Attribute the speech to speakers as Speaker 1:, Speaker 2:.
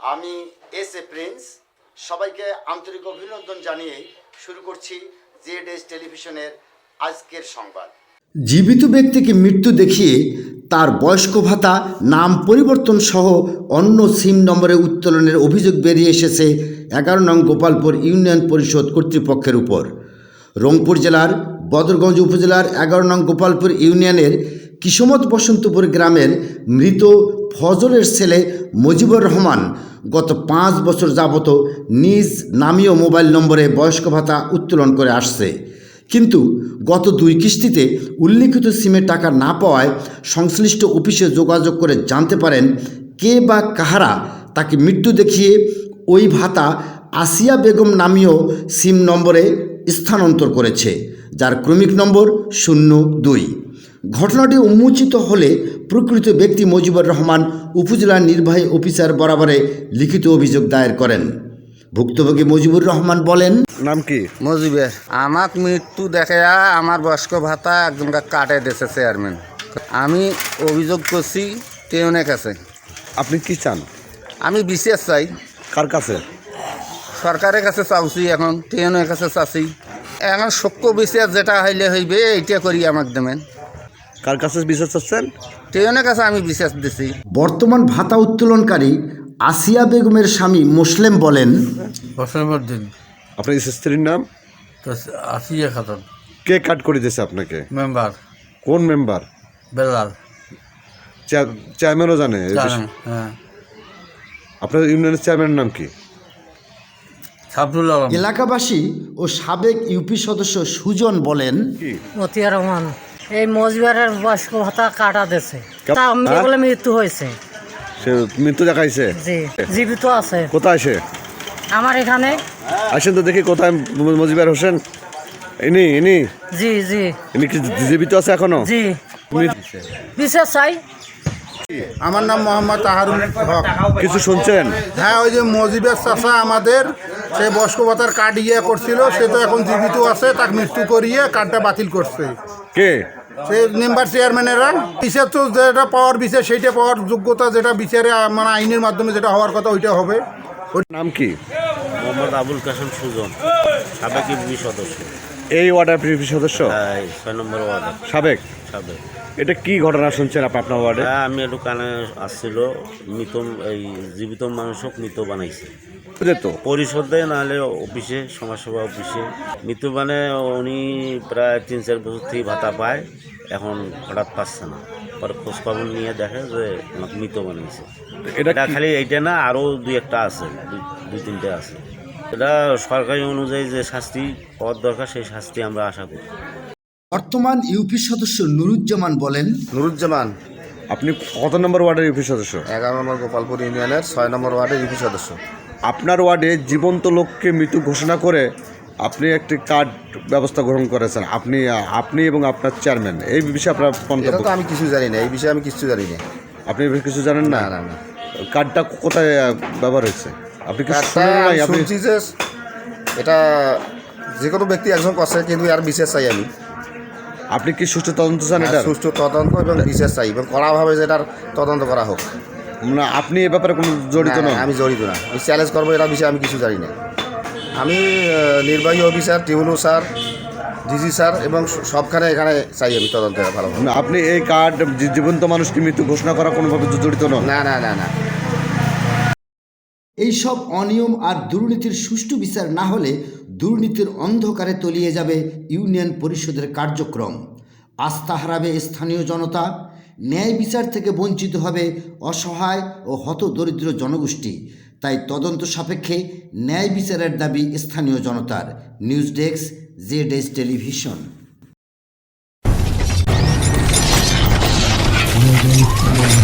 Speaker 1: আমি S A Prince সবাইকে আন্তরিক অভিনন্দন জানিয়ে শুরু করছি জেড টেলিভিশনের আজকের সংবাদ। জীবিত ব্যক্তিকে মৃত্যু দেখিয়ে তার বয়স্ক ভাতা নাম পরিবর্তন সহ অন্য সিম নম্বরে উত্তোলনের অভিযোগ বেরিয়ে এসেছে 11 নং গোপালপুর ইউনিয়ন পরিষদ কর্তৃপক্ষের উপর। রংপুর জেলার বদরগঞ্জ উপজেলার 11 নং গোপালপুর ইউনিয়নের কিসমত বসন্তপুর গ্রামের মৃত ফজলের ছেলে মুজিবুর রহমান গত 5 বছর যাবত নিজ নামীয় মোবাইল নম্বরে বয়স্ক ভাতা উত্তোলন করে আসছে, কিন্তু গত 2 কিস্তিতে উল্লিখিত সিমে টাকা না পাওয়ায় সংশ্লিষ্ট অফিসে যোগাযোগ করে জানতে পারেন কে বা কাহারা তাকে মৃত্যু দেখিয়ে ওই ভাতা আসিয়া বেগম নামীয় সিম নম্বরে স্থানান্তর করেছে, যার ক্রমিক নম্বর 02। ঘটনাটি উন্মোচিত হলে প্রকৃত ব্যক্তি মুজিবুর রহমান উপজেলা নির্বাহী অফিসার বরাবরে লিখিত অভিযোগ দায়ের করেন। ভুক্তভোগী মুজিবুর রহমান বলেন,
Speaker 2: নাম কি?
Speaker 3: মজিবের। আমার মৃত্যু দেখে আমার বয়স্ক ভাতা একজনকে কাটে দিয়েছে চেয়ারম্যান। আমি অভিযোগ করছি টেউনের কাছে।
Speaker 2: আপনি কি চান?
Speaker 3: আমি বিশেষ চাই।
Speaker 2: কার কাছে?
Speaker 3: সরকারের কাছে চাচ্ছি, এখন টেউনের কাছে চাচ্ছি। এখন সক্য বিশেষ যেটা হইলে হইবে এইটা করি আমাকে দেবেন।
Speaker 2: কার কাছে বিচার চাচ্ছেন?
Speaker 3: টেউনের কাছে আমি বিশেষ দিছি।
Speaker 1: বর্তমান ভাতা উত্তোলনকারী আসিয়া বেগমের স্বামী মুসলিম বলেন,
Speaker 4: বসরমদ্দিন
Speaker 2: আপনার স্ত্রীর নাম?
Speaker 4: আসিয়া খাতুন।
Speaker 2: কে কাট করে দিয়েছে আপনাকে?
Speaker 4: মেম্বার
Speaker 2: কোন মেম্বার?
Speaker 4: বেলাল
Speaker 2: চেয়ারম্যানও জানে?
Speaker 4: হ্যাঁ।
Speaker 2: আপনার ইউনিয়নের চেয়ারম্যানের নাম কি?
Speaker 4: সাবরুল আলম।
Speaker 1: এলাকাবাসী ও সাবেক ইউপি সদস্য সুজন বলেন,
Speaker 5: মতিয়া রহমান। এই মজবারের বয়স্ক ভাতা কাটা দিয়েছে, তা আমি বলে মৃত্যু হয়েছে।
Speaker 2: সে মৃত্যু দেখাইছে?
Speaker 5: জি, জীবিত আছে।
Speaker 2: কোথায় সে?
Speaker 5: আমার এখানে।
Speaker 2: আসেন তো দেখি কোথায় মুজিবুর হোসেন। ইনি
Speaker 5: জি জি
Speaker 2: ইনি কি জীবিত আছে এখনো?
Speaker 5: জি। বিশেষ চাই।
Speaker 6: আমার নাম মোহাম্মদ তাহারুল হক।
Speaker 2: কিছু শুনছেন?
Speaker 6: হ্যাঁ, ওই যে মজিবের চাষা আমাদের সে বয়স্ক ভাতার কার্ড করছিল, সে তো এখন জীবিত আছে, তাকে মৃত্যু করিয়ে কার্ডটা বাতিল করছে।
Speaker 2: কে?
Speaker 6: সে মেম্বার চেয়ারম্যানেরা। বিচার তো যেটা পাওয়ার বিচার সেইটা পাওয়ার যোগ্যতা, যেটা বিচারে মানে আইনের মাধ্যমে যেটা হওয়ার কথা ওইটা হবে।
Speaker 2: ওর নাম কি?
Speaker 7: মোহাম্মদ আবুল কাসেম সুজন, সাবেক ইউপি সদস্য।
Speaker 2: এই ওয়ার্ডের পিপি সদস্য?
Speaker 7: 6 নম্বর ওয়ার্ডে
Speaker 2: সাবেক।
Speaker 7: সাবেক।
Speaker 2: এটা কি ঘটনা শুনছেন আপনার ওয়ার্ডে?
Speaker 7: আমি একটু কানে আসছিল, মৃত এই জীবিত মানুষক মৃত বানাইছে
Speaker 2: যেত
Speaker 7: পরিষদে, নাহলে অফিসে, সমাজসেবা অফিসে মৃত মানে উনি প্রায় 3-4 বছর থেকে ভাতা পায়, এখন হঠাৎ পাচ্ছে না। পরে খোঁজখবর নিয়ে দেখে যে আমাকে মৃত বানাইছে। এটা খালি এইটা না, আরও 2-1টা আছে, 2-3টে আছে। এটা সরকারি অনুযায়ী যে শাস্তি পাওয়ার দরকার সেই শাস্তি আমরা আশা করি।
Speaker 1: বর্তমান ইউপি সদস্য নুরুজ্জামান বলেন,
Speaker 3: নুরুজ্জামান।
Speaker 2: আপনি কত নম্বর ওয়ার্ডের ইউপি সদস্য?
Speaker 3: 11 নম্বর গোপালপুর ইউনিয়নের 6 নম্বর ওয়ার্ডের ইউপি সদস্য।
Speaker 2: আপনার ওয়ার্ডে জীবন্ত লোককে মৃত্যু ঘোষণা করে আপনি একটি কার্ড ব্যবস্থা গ্রহণ করেছেন, আপনি এবং আপনার চেয়ারম্যান। এই বিষয়ে আপনার মন্তব্য?
Speaker 3: তো আমি কিছু জানি না, এই বিষয়ে আমি কিছু জানি না।
Speaker 2: আপনি কিছু জানেন না?
Speaker 3: না না।
Speaker 2: কার্ডটা কোথায় ব্যবহার হয়েছে আপনি কি শুনেন নাই? আপনি
Speaker 3: শুনছি যে এটা যে কোনো ব্যক্তি একজন করছে, কিন্তু আর বিশেষ চাই আমি।
Speaker 2: আপনি কি সুষ্ঠু তদন্ত চান? এটা
Speaker 3: সুষ্ঠু তদন্ত এবং বিশেষ চাই, এবং কড়াভাবে যেটার তদন্ত করা হোক।
Speaker 2: না, আপনি এ ব্যাপারে কোনো জড়িত
Speaker 3: না,
Speaker 2: নন?
Speaker 3: আমি জড়িত না। আমি চ্যালেঞ্জ করবো, এটা বিষয়ে আমি কিছু জানি না। আমি নির্বাহী অফিসার, টিউনু স্যার, ডিজি স্যার এবং সবখানে এখানে চাই আমি তদন্ত ভালো।
Speaker 2: না, আপনি এই কার্ড জীবন্ত মানুষকে মৃত্যু ঘোষণা করা কোনোভাবে জড়িত নন?
Speaker 3: না না না না।
Speaker 1: এইসব অনিয়ম আর দুর্নীতির সুষ্ঠু বিচার না হলে দুর্নীতির অন্ধকারে তলিয়ে যাবে ইউনিয়ন পরিষদের কার্যক্রম। আস্থা হারাবে স্থানীয় জনতা, ন্যায় বিচার থেকে বঞ্চিত হবে অসহায় ও হতদরিদ্র জনগোষ্ঠী। তাই তদন্ত সাপেক্ষে ন্যায় বিচারের দাবি স্থানীয় জনতার। News desk, Z television.